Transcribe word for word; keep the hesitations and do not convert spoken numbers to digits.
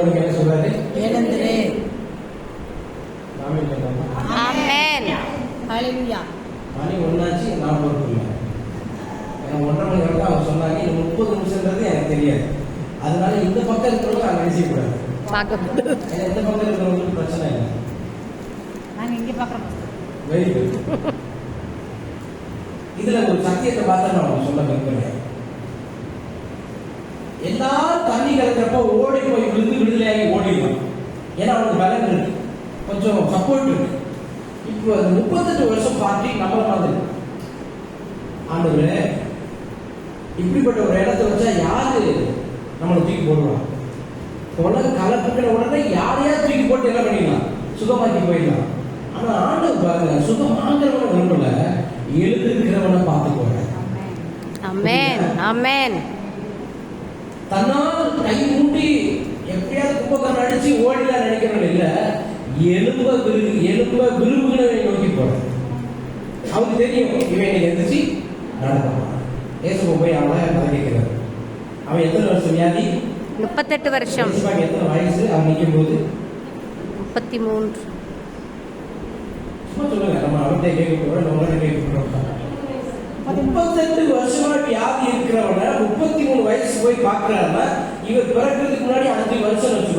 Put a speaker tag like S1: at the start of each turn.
S1: உங்களுக்கு என்ன சொல்றாரு?
S2: எழுந்திரு.
S3: ஆமென்.
S2: ஹalleluya.
S1: மணி ஒன்னாச்சு, நான் பொறுப்பில்லை. எனக்கு ஒன்றரை மணி வரைக்கும் அவங்க சொன்னாங்க. இது முப்பது நிமிஷம்ன்றது எனக்கு தெரியாது. அதனால இந்த பக்கம் இருக்கிறவங்க நான் நினைச்சக்கூடாது.
S3: பார்க்கக்கூடாது.
S1: ஏன்னா இந்த பக்கம் இருக்கிறவங்களுக்கு பிரச்சனை இல்லை.
S2: நாங்க இங்க பார்க்குறோம்.
S1: Very good. இதுல ஒரு சத்தியத்தை பார்த்தா நான் உங்களுக்கு சொல்ல விரும்புகிறேன். எல்லா தண்ணி கலக்கிறப்ப ஓடி போய் விழுந்து விடுதலையாகி ஓடிடலாம். ஏன்னா அவனுக்கு பலன் இருக்கு, கொஞ்சம் சப்போர்ட் இருக்கு. இப்போ அந்த முப்பத்தெட்டு வருஷம் பார்ட்டி நம்மள மாதிரி ஆண்டவரே இப்படிப்பட்ட ஒரு இடத்த வச்சா யாரு நம்மளை தூக்கி போடுவான்? கொலை கலப்புக்கிற உடனே யாரையா தூக்கி போட்டு என்ன பண்ணிடலாம், சுகமாக்கி போயிடலாம். ஆனா ஆண்டவர் பாருங்க, சுகமாங்கிறவனை விரும்பல, எழுந்திருக்கிறவனை பார்த்துக்கோங்க.
S3: ஆமென். ஆமென்.
S1: தன்னால் கை மூட்டி எப்படியாவது கும்பகரம் அடிச்சு ஓடிலாம் நினைக்கிறவங்க இல்ல, எலும்ப விரும்பு எலும்ப விரும்புகிறவனை நோக்கி போறேன். அவனுக்கு தெரியும் இவன் எந்திரிச்சு நடப்பான். ஏசு போய் அவனை கதை கேட்கிறார். அவன் எத்தனை வருஷம் வியாதி?
S3: முப்பத்தெட்டு வருஷம்.
S1: எத்தனை வயசு அவன் நிற்கும் போது?
S3: முப்பத்தி மூன்று.
S1: சும்மா சொல்லுங்க, நம்ம அவர்கிட்ட கேட்க போறோம், நம்ம கேட்க போறோம். முப்பத்தெட்டு வருஷமா வியாதி இருக்கிறவன முப்பத்தி மூணு வயசு போய் பாக்குறாருன்னா இவர் பிறக்கிறதுக்கு முன்னாடி அஞ்சு வருஷம் வச்சுக்கோ.